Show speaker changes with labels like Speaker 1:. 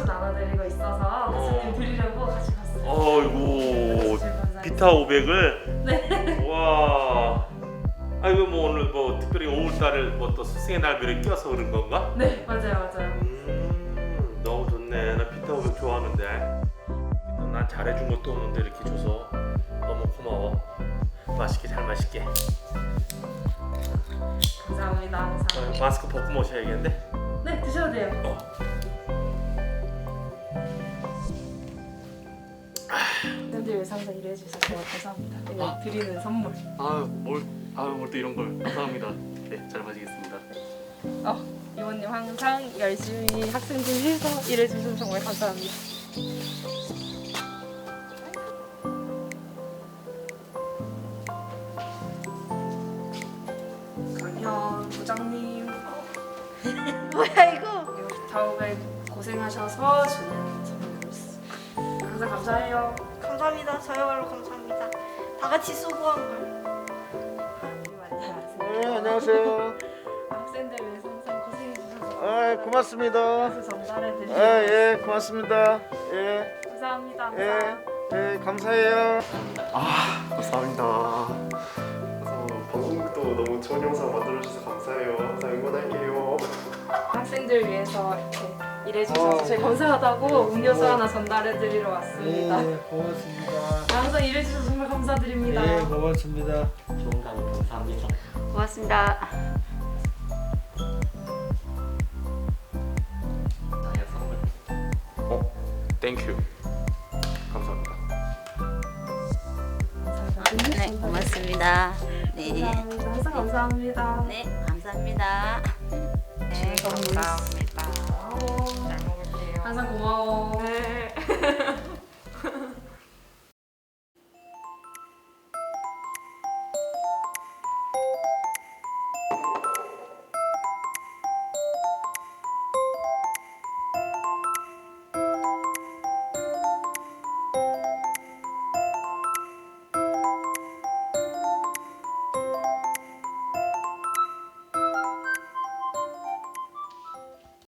Speaker 1: 나눠드리고 있어서 교수님 드리려고 같이 갔어요.
Speaker 2: 어이구 비타 500을.
Speaker 1: 네.
Speaker 2: 와. 아 이거 뭐 오늘 뭐 특별히 5월달을 뭐 또 스승의 날별에 껴서 그런 건가?
Speaker 1: 네, 맞아요.
Speaker 2: 너무 좋네. 나 비타 500 좋아하는데. 또 난 잘해준 것도 없는데 이렇게 줘서 너무 고마워. 맛있게 잘 마실게.
Speaker 1: 감사합니다. 항상.
Speaker 2: 마스크 벗고 모셔야겠는데?
Speaker 1: 네, 드셔도 돼요. 팬들 위해서 항상 일해주셔서 감사합니다. 이거 드리는 선물.
Speaker 2: 뭘 또 이런 걸. 감사합니다. 네, 잘 마시겠습니다.
Speaker 1: 이모님 항상 열심히 학생들 위해서 일해주셔서 정말 감사합니다. 강현 부장님.
Speaker 3: 뭐야 이거?
Speaker 1: 다음에 고생하셔서 주는 선물이었어. 항상 감사해요.
Speaker 3: 감사합니다. 저야말로 감사합니다. 다 같이 수고한 걸.
Speaker 1: 안녕하세요.
Speaker 4: 네, 안녕하세요.
Speaker 1: 학생들 위해서 항상 고생해주셔서
Speaker 4: 아, 고맙습니다.
Speaker 1: 그래서 전달해드리고
Speaker 4: 예, 고맙습니다. 예,
Speaker 1: 감사합니다. 항상.
Speaker 4: 예, 감사해요.
Speaker 5: 감사합니다. 방송국도 너무 좋은 영상 만들어주셔서 감사해요. 항상 응원할게요.
Speaker 1: 학생들 위해서 이렇게 일해주셔서 저희 감사하다고 음료수 하나 전달해드리러 왔습니다.
Speaker 4: 고맙습니다.
Speaker 1: 항상 일해주셔서 정말 감사드립니다.
Speaker 4: 예, 고맙습니다.
Speaker 6: 좋은 강의 감사합니다.
Speaker 3: 고맙습니다.
Speaker 6: 자의 선물.
Speaker 5: 땡큐. 감사합니다.
Speaker 3: 네, 고맙습니다. 네,
Speaker 1: 감사합니다. 항상 감사합니다.
Speaker 3: 네, 감사합니다.
Speaker 1: 네, 감사합니다. 잘 먹을게요. 항상 고마워. 네.